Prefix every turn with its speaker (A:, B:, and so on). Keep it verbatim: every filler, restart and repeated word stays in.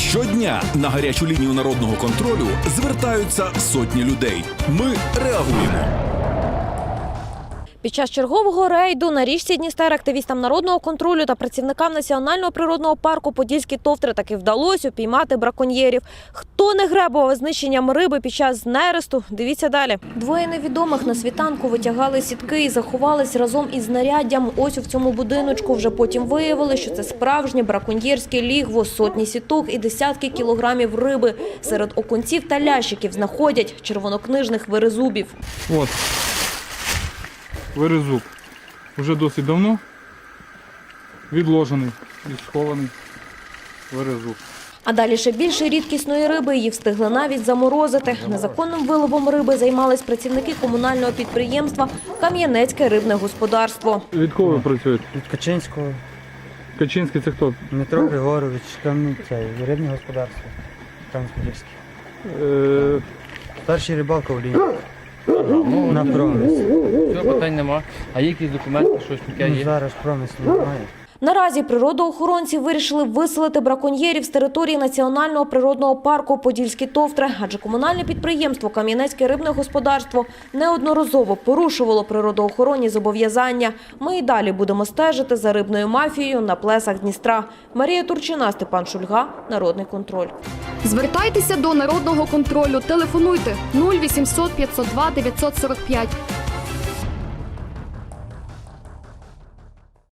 A: Щодня на гарячу лінію народного контролю звертаються сотні людей. Ми реагуємо.
B: Під час чергового рейду на річці Дністер активістам народного контролю та працівникам Національного природного парку Подільські товтри таки вдалося упіймати браконьєрів. Хто не гребував знищенням риби під час нересту? Дивіться далі. Двоє невідомих на світанку витягали сітки і заховались разом із знаряддям ось у цьому будиночку. Вже потім виявили, що це справжнє браконьєрське лігво, сотні сіток і десятки кілограмів риби. Серед окунців та лящиків знаходять червонокнижних верезубів.
C: От. Верезуб. Уже досить давно відложений і схований верезуб.
B: А далі ще більше рідкісної риби, її встигли навіть заморозити. Незаконним виловом риби займались працівники комунального підприємства «Кам'янецьке рибне господарство».
C: Від кого ви працюєте?
D: Від Качинського.
C: Качинський це хто?
D: Дмитро Григорович, Кам'янецьке рибне господарство. Кам'янське.
C: Е...
D: Старший рибалка в лінії. На промис.
E: Цього питань нема. А є якісь документи, щось таке
D: Ну,
E: є?
D: зараз промис немає.
B: Наразі природоохоронці вирішили виселити браконьєрів з території Національного природного парку Подільські товтри, адже комунальне підприємство «Кам'янецьке рибне господарство» неодноразово порушувало природоохоронні зобов'язання. Ми і далі будемо стежити за рибною мафією на плесах Дністра. Марія Турчина, Степан Шульга, Народний контроль.
F: Звертайтеся до Народного контролю. Телефонуйте нуль вісімсот п'ятсот два дев'ятсот сорок п'ять.